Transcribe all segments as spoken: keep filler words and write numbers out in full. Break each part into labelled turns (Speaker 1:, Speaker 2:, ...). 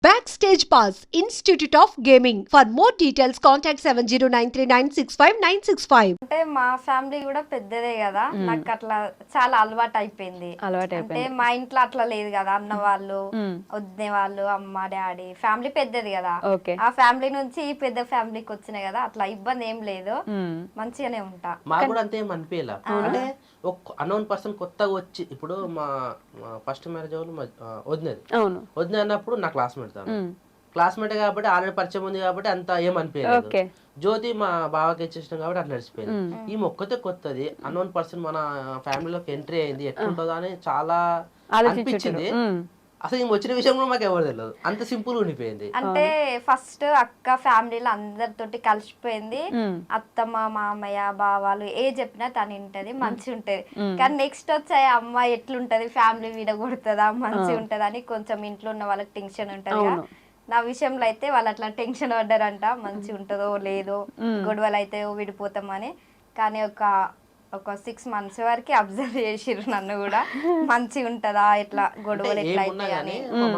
Speaker 1: Backstage Pass, Institute of Gaming. For more details, contact seven zero nine three nine six five nine six five.
Speaker 2: అంటే మా family కూడా పెద్దదే కదా, నాకు అట్లా చాలా అలవాటు అయిపోయింది.
Speaker 3: అలవాటు
Speaker 2: అంటే
Speaker 3: అయిపోయింది.
Speaker 2: మా ఇంట్లో అట్లా లేదు కదా, అన్న వాళ్ళు వదిన వాళ్ళు అమ్మ డాడీ ఫ్యామిలీ పెద్దది కదా.
Speaker 3: ఓకే.
Speaker 2: ఆ ఫ్యామిలీ నుంచి ఈ పెద్ద ఫ్యామిలీకి వచ్చినాయి కదా, అట్లా ఇబ్బంది ఏం లేదు, మంచిగానే ఉంటా.
Speaker 4: మాకు కూడా అంతే ఏం అనిపించలే. అంటే ఒక అన్నోన్ పర్సన్ కొత్తగా వచ్చి ఇప్పుడు మా ఫస్ట్ మ్యారేజ్ వాళ్ళు వదినది
Speaker 3: అవును
Speaker 4: వదిన అన్నప్పుడు నా క్లాస్మేట్ తాను క్లాస్మేట్ కాబట్టి ఆల్రెడీ పరిచయం ఉంది కాబట్టి అంత ఏం అనిపించలేదు. జ్యోతి మా బావకి ఇచ్చేసినాం కాబట్టి అట్లా నడిచిపోయింది. ఈ మొక్కతే కొత్తది అన్నోన్ పర్సన్ మన ఫ్యామిలీలోకి ఎంట్రీ అయింది, ఎట్లుంటుందో అని చాలా అనిపించింది. అసలు ఈ వచ్చిన విషయం కూడా మాకు ఎవరు తెలియదు, అంత సింపుల్ ఉండిపోయింది.
Speaker 2: అంటే ఫస్ట్ అక్క ఫ్యామిలీలో అందరితోటి కలిసిపోయింది, అత్తమ్మ మామయ్య బావాలు ఏ చెప్పినా తను వింటది, మంచి ఉంటది. కానీ నెక్స్ట్ వచ్చే అమ్మ ఎట్లుంటది, ఫ్యామిలీ విడగొడుతుందా, మంచి ఉంటది అని కొంచెం ఇంట్లో ఉన్న వాళ్ళకి టెన్షన్ ఉంటది. నా విషయంలో అయితే వాళ్ళు అట్లా టెన్షన్ పడ్డారంట, మంచి ఉంటుందో లేదో, గొడవలు అయితే విడిపోతామని. కానీ ఒక ఒక సిక్స్ మంత్స్ వరకు అబ్జర్వ్ చేసిర్రు నన్ను కూడా, మంచి ఉంటదా ఇట్లా గొడవలు ఎట్లా అయితే అని.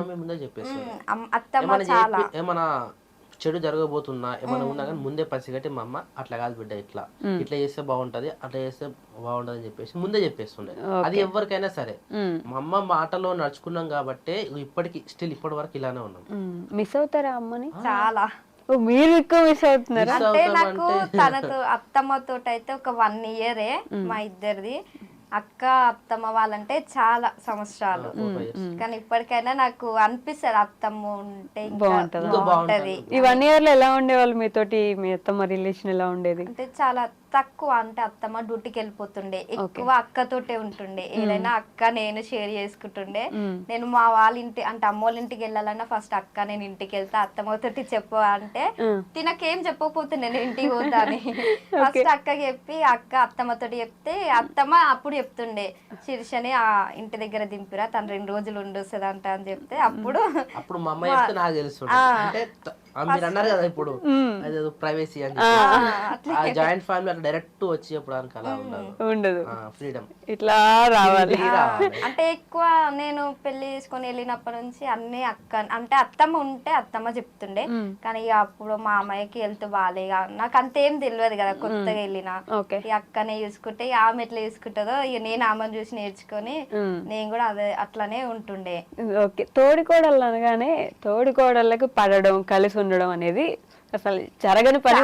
Speaker 2: అత్తమ్మ చాలా
Speaker 4: ఏమన్నా చెడు జరగబోతున్నా ఏమైనా ఉన్నా కానీ ముందే పసిగట్టి మా అమ్మ అట్లా కాదు బిడ్డ, ఇట్లా ఇట్లా చేస్తే బాగుంటది, అట్లా చేస్తే బాగుంటది అని చెప్పేసి ముందే చెప్పేస్తుండే. అది ఎవరికైనా సరే మా అమ్మ మాటలో నడుచుకున్నాం కాబట్టి ఇప్పటికి స్టిల్ ఇప్పటి వరకు ఇలానే ఉన్నాం.
Speaker 3: మిస్ అవుతారా అమ్మని?
Speaker 2: చాలా.
Speaker 3: మీరు ఎక్కువ మిస్ అవుతున్నారా?
Speaker 2: అంటే నాకు తనతో అత్తమ్మతో అయితే ఒక వన్ ఇయరే మా ఇద్దరిది. అక్క అత్తమ్మ వాళ్ళంటే చాలా సంవత్సరాలు, కానీ ఇప్పటికైనా నాకు అనిపిస్తుంది అత్తమ్మ ఉంటే బాగుంటది.
Speaker 3: ఈ వన్ ఇయర్ లో ఎలా ఉండేవాళ్ళు మీతోటి? మీ అత్తమ్మ రిలేషన్ ఎలా ఉండేది?
Speaker 2: అంటే చాలా తక్కువ. అంటే అత్తమ్మ డ్యూటీకి వెళ్ళిపోతుండే, ఎక్కువ అక్కతోటే ఉంటుండే. ఏదైనా అక్క నేను షేర్ చేసుకుంటుండే. నేను మా వాళ్ళ ఇంటి అంటే అమ్మోళ్ళ ఇంటికి వెళ్ళాలన్నా ఫస్ట్ అక్క నేను ఇంటికి వెళ్తా, అత్తమ్మ తోటి చెప్పు అంటే తినకేం చెప్పకపోతుండే నేను ఇంటికి పోతా అని. ఫస్ట్ అక్కకి చెప్పి అక్క అత్తమ్మతోటి చెప్తే అత్తమ్మ అప్పుడు చెప్తుండే శిరీషని ఆ ఇంటి దగ్గర దింపిరా, తను రెండు రోజులు ఉండొస్తుంది అంట అని చెప్తే అప్పుడు
Speaker 4: అప్పుడు మా అమ్మ చెప్తే నాకు తెలుసు. అంటే మీరు అన్నారు కదా ఇప్పుడు అదేదో ప్రైవసీ అని, జాయింట్ ఫ్యామిలీ అట్లా డైరెక్ట్ వచ్చి చెప్పడానికి అలా
Speaker 3: ఉండదు,
Speaker 4: ఫ్రీడమ్
Speaker 3: ఇట్లా రావాలి.
Speaker 2: అంటే ఎక్కువ నేను పెళ్లి చేసుకొని వెళ్ళినప్పటి నుంచి అన్ని అక్క అంటే అత్తమ్మ ఉంటే అత్తమ్మ చెప్తుండే. కానీ ఇక అప్పుడు మా అమ్మాయికి హెల్త్ బాగాలే, నాకు అంతేం తెలియదు కదా, కొత్తగా వెళ్ళినా. ఈ అక్కనే చూసుకుంటే ఆమె ఎట్లా చూసుకుంటుందో ఇక నేను ఆమెను చూసి నేర్చుకొని నేను కూడా అదే అట్లానే ఉంటుండే.
Speaker 3: ఓకే. తోడికోడళ్ళు అనగానే తోడికోడళ్ళకి పడడం కలిసి ఉండడం అనేది అసలు జరగని పని.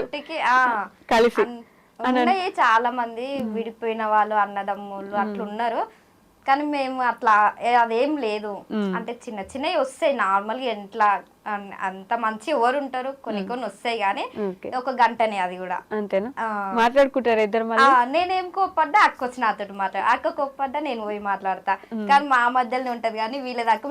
Speaker 3: కలిసి
Speaker 2: ఉన్నాయి చాలా మంది విడిపోయిన వాళ్ళు అన్నదమ్ములు అట్లా ఉన్నారు, కానీ మేము అట్లా అదేం లేదు. అంటే చిన్న చిన్నవి వస్తాయి నార్మల్ గా, ఎట్లా అంత మంచి ఎవరు ఉంటారు, కొన్ని కొన్ని వస్తాయి కానీ ఒక గంటనే, అది కూడా
Speaker 3: అంతేనా? మాట్లాడుకుంటారు ఇద్దరు?
Speaker 2: నేనేం కోప్పడ్డా అక్క వచ్చి నాతో మాట్లాడు, అక్క కోప్పడ్డా నేను పోయి మాట్లాడతా. కానీ మా మధ్యలోనే ఉంటది కానీ వీళ్ళ దాకా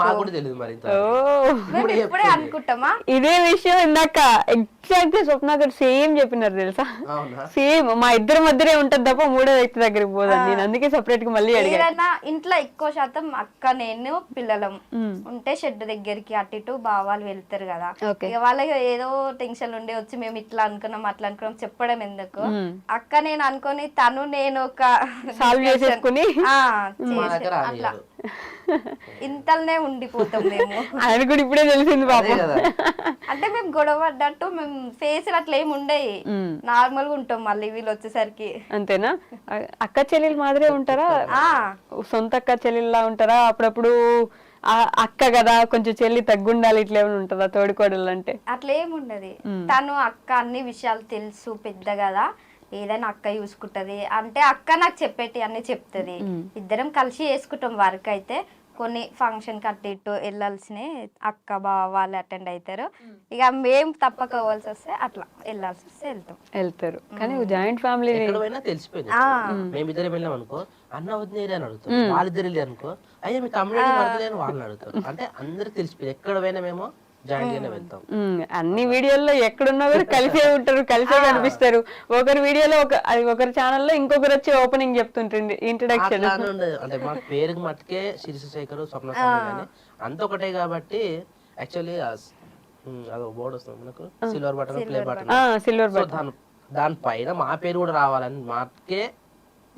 Speaker 2: మేము ఇప్పుడే అనుకుంటామా.
Speaker 3: ఇదే విషయం ఇందాక ఎగ్జాక్ట్ గా స్వప్న గారు సేమ్ చెప్పినారు తెలుసా, సేమ్ మా ఇద్దరి మధ్యనే ఉంటది తప్ప మూడో వ్యక్తి దగ్గరికి పోదాను. నేను అందుకే సపరేట్ గా మళ్ళీ
Speaker 2: ఏదైనా ఇంట్లో ఎక్కువ శాతం అక్క నేను పిల్లలం ఉంటే షెడ్ దగ్గరికి అటు ఇటు వాళ్ళు వెళ్తారు కదా, ఇక వాళ్ళకి ఏదో టెన్షన్ ఉండే వచ్చి మేము ఇట్లా అనుకున్నాం అట్లా అనుకున్నాం చెప్పడం ఎందుకు. అక్క నేను అనుకొని తను నేను ఒక
Speaker 3: సాల్వ్ చేసేసుకుని
Speaker 2: అట్లా ఇంతలోనే ఉండిపోతాం మేము.
Speaker 3: ఆయన కూడా ఇప్పుడే తెలిసింది బాబు.
Speaker 2: అంటే మేము గొడవ పడ్డట్టు మేము ఫేస్ అట్లా ఏమి ఉండేవి, నార్మల్ గా ఉంటాం మళ్ళీ వీళ్ళు వచ్చేసరికి.
Speaker 3: అంతేనా? అక్క చెల్లెలు మాదిరే ఉంటారా? సొంత అక్క చెల్లెల్లా ఉంటారా? అప్పుడప్పుడు అక్క కదా కొంచెం చెల్లి తగ్గుండాలి ఇట్లా ఏమైనా ఉంటుందా తోడికోడలు అంటే?
Speaker 2: అట్లా ఏముండదు. తను అక్క అన్ని విషయాలు తెలుసు, పెద్ద కదా, ఏదైనా అక్క చూసుకుంటది. అంటే అక్క నాకు చెప్పేటి అన్ని చెప్తది, ఇద్దరం కలిసి చేసుకుంటాం వర్క్. అయితే కొన్ని ఫంక్షన్ కట్టి ఇటు వెళ్ళాల్సిన అక్క బావ వాళ్ళు అటెండ్ అవుతారు, ఇక మేము తప్పక పోవాల్సి వస్తే అట్లా వెళ్ళాల్సి వస్తే వెళ్తాం
Speaker 3: వెళ్తారు. కానీ జాయింట్ ఫ్యామిలీ
Speaker 4: తెలిసిపోయింది. మేమిద్దరం వెళ్ళాం అనుకో అన్న వదిలేరు అని అడుగుతారు, వాళ్ళిద్దరు వెళ్ళి అనుకో అయ్యా మీ తమ్ముడు పడతలేని వాళ్ళని అడుగుతారు. అంటే అందరికి తెలిసిపోయింది ఎక్కడ పోయినా మేము జాయింట్ గానే వెళ్తాం.
Speaker 3: అన్ని వీడియోల్లో ఎక్కడున్నా కూడా కలిసే ఉంటారు, కలిసే కనిపిస్తారు. ఒకరి వీడియోలో ఒక ఒకరి ఛానల్లో ఇంకొకరు వచ్చి ఓపెనింగ్ చెప్తుంటుంది, ఇంట్రడక్షన్.
Speaker 4: అంటే మా పేరుకి మట్టుకే శిరీషశేఖర్ స్వప్న కానీ అంత ఒకటే కాబట్టి యాక్చువల్లీ అదో బోర్డు వస్తుంది మనకు, silver button play button silver button, దాని పైన మా పేరు కూడా రావాలని మాకే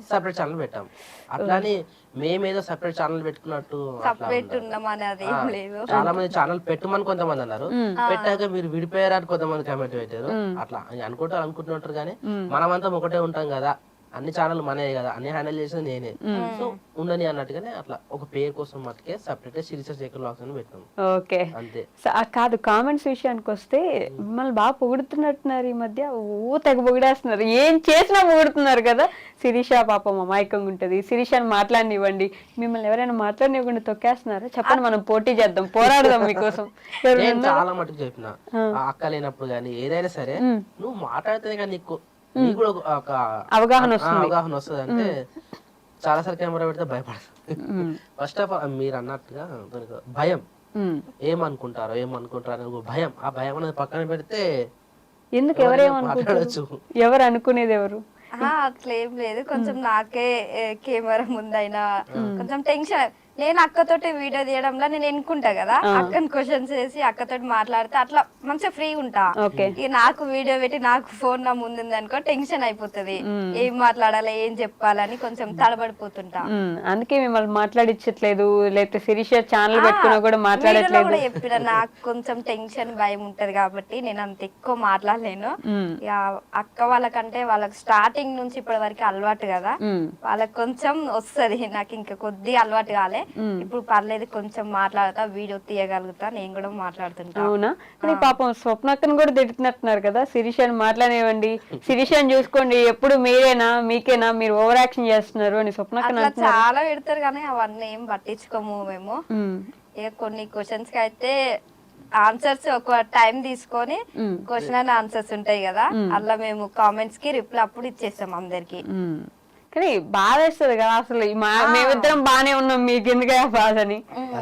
Speaker 4: సపరేట్ ఛానల్ పెట్టాం. అట్లాని మేమేదో సపరేట్ ఛానల్ పెట్టుకున్నట్టు అట్లా
Speaker 2: సపరేట్
Speaker 4: ఉండదు.
Speaker 2: ఉన్నామని అది
Speaker 4: ఆ,
Speaker 2: ఏం లేదు.
Speaker 4: చాలా మంది ఛానల్ పెట్టమని కొంతమంది అన్నారు, పెట్టాక మీరు విడిపోయారని కొంతమంది కామెంట్ పెట్టారు. అట్లా అనుకుంటారు అనుకుంటుంటారు కానీ మనమంతా ఒకటే ఉంటాం కదా, అన్ని ఛానల్ మనే కదా, అన్ని హ్యాండిల్ చేసేది నేనే, సో ఉండని అన్నట్టుగానే అట్లా ఒక పేరు కోసం మట్టుకే సపరేట్ సిరీస్ శేఖర్ వ్లాగ్స్ అని పెట్టాం
Speaker 3: ఓకే
Speaker 4: అంతే.
Speaker 3: కాదు, కామెంట్స్ విషయానికి వస్తే మిమ్మల్ని బాగా పొగుడుతున్నట్టున్నారు ఈ మధ్య, ఓ తెగ పొగిడేస్తున్నారు, ఏం చేసినా పొగుడుతున్నారు కదా. శిరీష పాపం అమాయకంగా ఉంటది, శిరీషని మాట్లాడనివ్వండి, మిమ్మల్ని ఎవరైనా మాట్లాడనివ్వకుండా తొక్కేస్తున్నారా? చెప్పండి, మనం పోటీ చేద్దాం, పోరాడదాం మీకోసం.
Speaker 4: నేను చాలా మటుకు చెప్పిన, ఆ అక్క లేనప్పుడు గానీ ఏదైనా సరే నువ్వు మాట్లాడితే కానీ నీకు నీకు కూడా ఒక- ఒక
Speaker 3: అవగాహన
Speaker 4: ఆ,
Speaker 3: వస్తుంది.
Speaker 4: అవగాహన వస్తుంది అంటే చాలా సార్లు కెమెరా పెడితే భయపడతాను. ఫస్ట్ ఆఫ్ ఆల్ మీరు అన్నట్టుగా దానికి భయం,
Speaker 3: ఉమ్.
Speaker 4: ఏమనుకుంటారో ఏమనుకుంటారో అనే ఒక భయం, ఆ భయం అనేది పక్కన పెడితే
Speaker 3: ఎందుకు
Speaker 4: ఎవరైనా
Speaker 3: ఎవరేమనుకుంటారు?
Speaker 4: మాట్లాడొచ్చు.
Speaker 3: ఎవరు అనుకునేది ఎవరు?
Speaker 2: ఆహా, అట్లేం లేదు. కొంచెం నాకే కెమెరా ముందైనా కొంచెం టెన్షన్. నేను అక్కతోటి వీడియో తీయడంలో నేను ఎన్నుకుంటా కదా, అక్కని క్వశ్చన్స్ వేసి అక్కతోటి మాట్లాడితే అట్లా మంచిగా ఫ్రీ ఉంటా.
Speaker 3: ఓకే.
Speaker 2: ఇక నాకు వీడియో పెట్టి నాకు ఫోన్ నా ముందుంది అనుకో టెన్షన్ అయిపోతుంది, ఏం మాట్లాడాలి ఏం చెప్పాలని కొంచెం తడబడిపోతుంటా.
Speaker 3: ఉమ్, అందుకే మిమ్మల్ని మాట్లాడించట్లేదు, లేకపోతే శిరీష ఛానల్ పెట్టుకున్నా కూడా
Speaker 2: వీడియోలో
Speaker 3: మాట్లాడట్లేదు.
Speaker 2: కూడా చెప్పిన నాకు కొంచెం టెన్షన్ భయం ఉంటది కాబట్టి నేను అంత ఎక్కువ మాట్లాడలేను.
Speaker 3: ఉమ్,
Speaker 2: ఇక అక్క వాళ్ళకంటే వాళ్ళకి స్టార్టింగ్ నుంచి ఇప్పటి వరకు అలవాటు కదా,
Speaker 3: ఉమ్,
Speaker 2: వాళ్ళకి కొంచెం వస్తది, నాకు ఇంకా కొద్ది అలవాటు కాలే. ఇప్పుడు పర్లేదు, కొంచెం మాట్లాడతా, వీడియో తీయగలుగుతా, నేను కూడా మాట్లాడుతుంటా.
Speaker 3: అవునా? కానీ పాపం స్వప్నక్కను కూడా తిడుతున్నట్టున్నారు కదా, శిరీషని మాట్లాడనివ్వండి, శిరీషని చూసుకోండి, ఎప్పుడు మీరేనా మీకేనా మీరు ఓవర్ యాక్షన్ చేస్తున్నారు అని స్వప్నక్కను
Speaker 2: అట్లా
Speaker 3: అంటున్నారు.
Speaker 2: చాలా పెడతారు కానీ అవన్నీ ఏం పట్టించుకోము మేము.
Speaker 3: ఉమ్,
Speaker 2: ఇక కొన్ని క్వశ్చన్స్ కి అయితే ఆన్సర్స్ ఒక టైం తీసుకొని క్వశ్చన్ అండ్ ఆన్సర్స్ ఉంటాయి కదా, అలా మేము కామెంట్స్ కి రిప్లై అప్పుడు ఇచ్చేస్తాం అందరికి.
Speaker 3: ఉమ్. కానీ బాధ వేస్తుంది కదా అసలు, ఈ మా- మేమిద్దరం బానే ఉన్నాం, మీకు ఎందుకు ఆ బాధ అని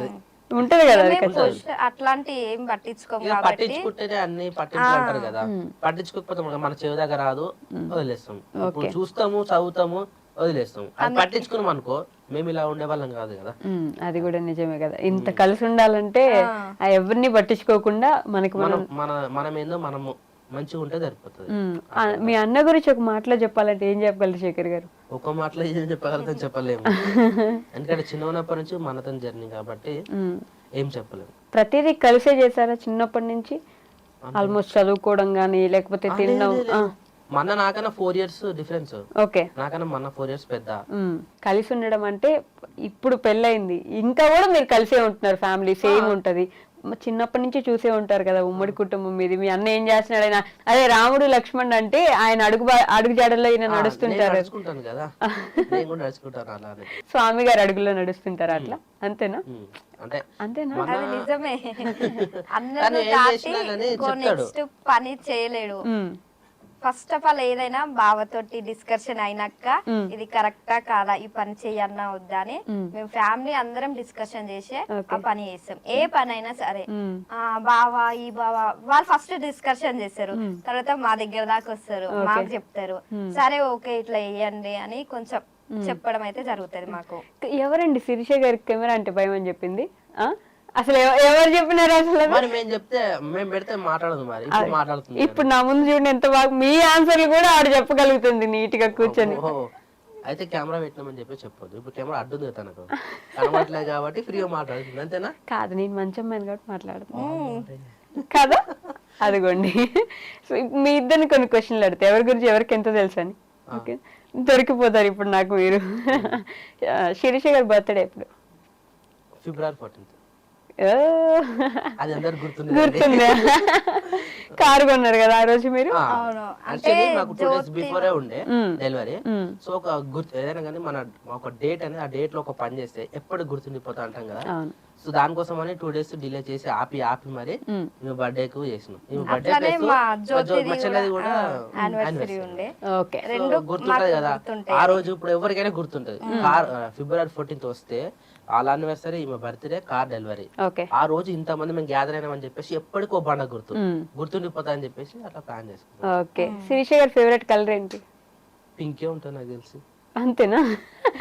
Speaker 3: ఉంటది కదా. అది
Speaker 2: మేము question అట్లాంటి ఏం పట్టించుకోము
Speaker 4: ఇక
Speaker 2: కాబట్టి
Speaker 4: పట్టించుకుంటేనే అన్ని పట్టించుకుంటారు అంటారు కదా, పట్టించుకోకపోతే మన- మన చెవి దగ్గర రాదు, వదిలేస్తాం. ఇప్పుడు చూస్తాము చదువుతాము వదిలేస్తాం. అది పట్టించుకున్నాం అనుకో మేము ఇలా ఉండే వాళ్ళం కాదు కదా.
Speaker 3: ఉమ్, అది కూడా నిజమే కదా. ఇంత కలిసి ఉండాలంటే ఆ ఎవరిని పట్టించుకోకుండా మనకి మనం.
Speaker 4: మనం మన మనం ఏందో మనము మంచిగా ఉంటే సరిపోతుంది.
Speaker 3: ఉమ్, ఆ, మీ అన్న గురించి ఒక మాటలో చెప్పాలంటే ఏం చెప్పగలరు శేఖర్ గారు?
Speaker 4: ఒక మాటలో ఏం చెప్పగలుగుతాం చెప్పలేము, ఎందుకంటే చిన్న ఉన్నప్పటి నుంచి మనతో జర్నీ కాబట్టి
Speaker 3: ఉమ్,
Speaker 4: ఏం చెప్పలేము.
Speaker 3: ప్రతిదీ కలిసే చేశారా చిన్నప్పటి నుంచి? ఆల్మోస్ట్ చదువుకోవడం గానీ లేకపోతే తినడం?
Speaker 4: మన నాకన్నా ఫోర్ ఇయర్స్ డిఫరెన్స్.
Speaker 3: ఓకే.
Speaker 4: నాకన్నా మన ఫోర్ ఇయర్స్ పెద్ద.
Speaker 3: ఉమ్, కలిసి ఉండడం అంటే ఇప్పుడు పెళ్ళయింది ఇంకా కూడా మీరు కలిసే ఉంటున్నారు, ఫ్యామిలీ సేమ్ ఉంటది. మ- చిన్నప్పటి నుంచి చూసే ఉంటారు కదా ఉమ్మడి కుటుంబం మీది. మీ అన్న ఏం చేస్తున్నాడు ఆయన, అదే రాముడు లక్ష్మణ్ అంటే ఆయన అడుగు బా- అడుగు జాడల్లో ఈయన
Speaker 4: నేను
Speaker 3: నడుస్తుంటారు,
Speaker 4: నడుచుకుంటాను కదా, నేను కూడా నడుచుకుంటాను అలానే.
Speaker 3: స్వామి గారు అడుగులో నడుస్తుంటారు అట్లా, అంతేనా?
Speaker 4: ఉమ్, అంటే
Speaker 3: అంతేనా?
Speaker 4: మన-
Speaker 2: అది నిజమే. అందరూ
Speaker 4: కానీ ఏం
Speaker 2: దాటి
Speaker 4: చేసినా కానీ
Speaker 2: ఇంకో
Speaker 4: చెప్తాడు.
Speaker 2: నెక్స్ట్ పని చేయలేడు.
Speaker 3: ఉమ్,
Speaker 2: ఫస్ట్ ఆఫ్ ఆల్ ఏదైనా బావతోటి డిస్కషన్ అయినాక ఇది కరెక్టా కాదా, ఈ పని చెయ్యన్నా వద్దా అని మేము ఫ్యామిలీ అందరం డిస్కషన్ చేసి ఆ పని చేస్తాం. ఏ పని అయినా సరే ఆ బావా ఈ బావా వాళ్ళు ఫస్ట్ డిస్కషన్ చేస్తారు, తర్వాత మా దగ్గర దాకా వస్తారు, మాకు చెప్తారు, సరే ఓకే ఇట్లా వేయండి అని కొంచెం చెప్పడం అయితే జరుగుతుంది మాకు.
Speaker 3: ఎవరండి శిరీష గారికి కెమెరా అంటే భయం అని చెప్పింది? ఆ అసలు ఎవ- ఎవరు చెప్పినారు అసలు?
Speaker 4: మరి మేము చెప్తే మేము పెడితే మాట్లాడదు, మరి ఇప్పుడు మాట్లాడుతుంది.
Speaker 3: ఇప్పుడు నా ముందు చూడండి ఎంత బాగా మీ ఆన్సర్లు కూడా ఆవిడ చెప్పగలుగుతుంది నీట్ గా కూర్చొని.
Speaker 4: ఓహో, అయితే కెమెరా పెట్టినామని చెప్పి చెప్పొద్దు. ఇప్పుడు కెమెరా అడ్డుంది తనకు, కనబడలేదు కాబట్టి ఫ్రీగా మాట్లాడుతుంది, అంతేనా?
Speaker 3: కాదు, నేను మంచి అమ్మాయిని కాబట్టి మాట్లాడుతున్నాను కదా. అదిగోండి. సో మీ ఇద్దరిని కొన్ని క్వశ్చన్లు అడితే ఎవరి గురించి ఎవరికి ఎంత తెలుసు అని ఓకే దొరికిపోతారు ఇప్పుడు నాకు మీరు. శిరీష గారి బర్త్డే ఎప్పుడు?
Speaker 4: February fourteenth.
Speaker 3: ఓ,
Speaker 4: అది అందరు గుర్తుంది.
Speaker 3: గుర్తుందా? కారు కొన్నారు కదా ఆ రోజు మీరు?
Speaker 2: అవును.
Speaker 4: యాక్చువల్లీ నాకు టూ డేస్ బిఫోరే ఉండే డెలివరీ. సో ఒక గుర్తు ఏదైనా కానీ మన ఒక డేట్ అనేది ఆ డేట్ లో ఒక పని చేస్తే ఎప్పుడు గుర్తుండిపోతా అంటాం కదా.
Speaker 3: అవును.
Speaker 4: సో దానికోసం అని టూ డేస్ డిలే చేసి ఆపి ఆపి మరి మేము బర్త్డే కు చేసినాం. మేము బర్త్డే
Speaker 2: అట్లానే మా జ్యోతిది
Speaker 4: మా చెల్లెది కూడా
Speaker 2: యానివర్సరీ
Speaker 4: anniversary.
Speaker 2: ఉండే.
Speaker 3: ఓకే.
Speaker 2: రెండు
Speaker 4: గుర్తుంటది కదా ఆ రోజు. ఇప్పుడు ఎవరికైనా గుర్తుంటది. కార్ ఫిబ్రవరి ఫోర్టీన్త్ వస్తే వాళ్ళ యానివర్సరీ, ఈమె బర్త్డే, కార్ డెలివరీ.
Speaker 3: ఓకే.
Speaker 4: ఆ రోజు ఇంతమంది మేము గ్యాదర్ అయినామని చెప్పేసి ఎప్పటికో బండ గుర్తు గుర్తుండిపోతా అని చెప్పేసి అట్లా ప్లాన్ చేసుకున్నాం.
Speaker 3: ఓకే. శిరీష గారి ఫేవరెట్ కలర్ ఏంటి?
Speaker 4: పింకే ఉంటుంది నాకు తెలిసి.
Speaker 3: అంతేనా?